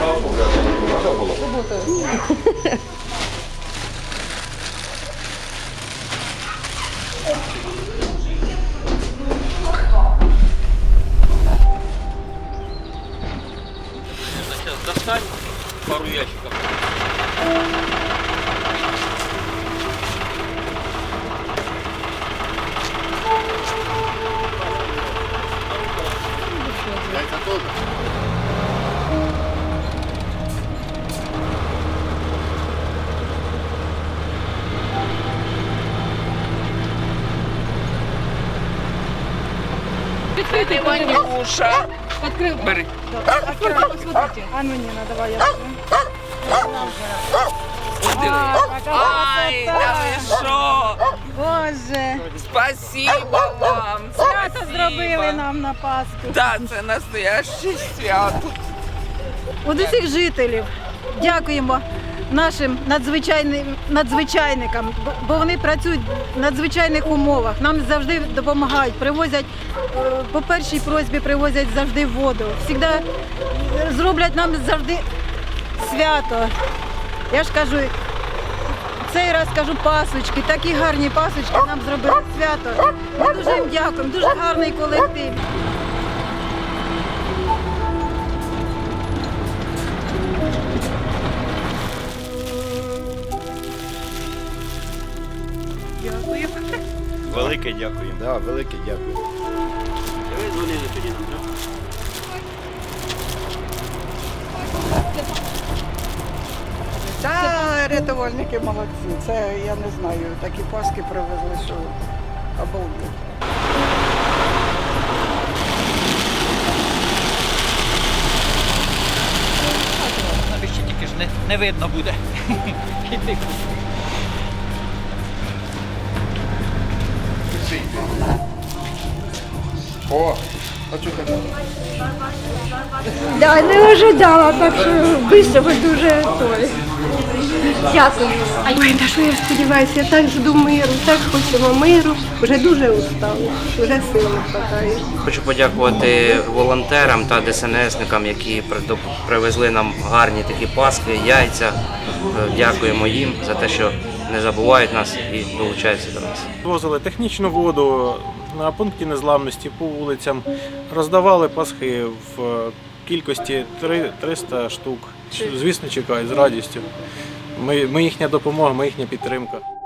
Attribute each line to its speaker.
Speaker 1: Достань пару ящиков.
Speaker 2: Яйца тоже?
Speaker 3: Відкрити
Speaker 1: Ванюша.
Speaker 3: Открыл.
Speaker 1: Бери.
Speaker 3: Аккуратно, смотрите. А ну не надо, давай я возьму.
Speaker 1: Ай, да ви що?
Speaker 3: Боже,
Speaker 1: Спасибо вам.
Speaker 3: свято зробили нам на Пасху.
Speaker 1: Да, це настояще свято.
Speaker 3: От усіх жителів дякуємо нашим надзвичайникам, бо вони працюють в надзвичайних умовах. Нам завжди допомагають, привозять, по першій просьбі привозять завжди воду. Завжди зроблять нам завжди свято. Я ж кажу, цей раз кажу пасочки, такі гарні пасочки нам зробили свято. Ми дуже їм дякуємо, дуже гарний колектив. Дякую.
Speaker 4: Велике дякую.
Speaker 2: Да, велике дякую.
Speaker 1: Ви дзвонили тоді нам, так?
Speaker 5: Та рятувальники молодці. Це я не знаю. Такі паски привезли, що обалдеть.
Speaker 1: Навіщо тільки ж не видно буде.
Speaker 2: О, а що ти?
Speaker 6: Да, не ожидала, так що швидко ви дуже той. Дякую. Ой, та що я сподіваюся, я так жду миру, так хочемо миру. Вже дуже устала, вже сил не вистачає.
Speaker 7: Хочу подякувати волонтерам та ДСНСникам, які привезли нам гарні такі паски, яйця. Дякуємо їм за те, що не забувають нас і долучаються до нас.
Speaker 8: Возили технічну воду на пункті незламності по вулицям, роздавали пасхи в кількості 300 штук. Звісно, чекають з радістю. Ми їхня допомога, ми їхня підтримка.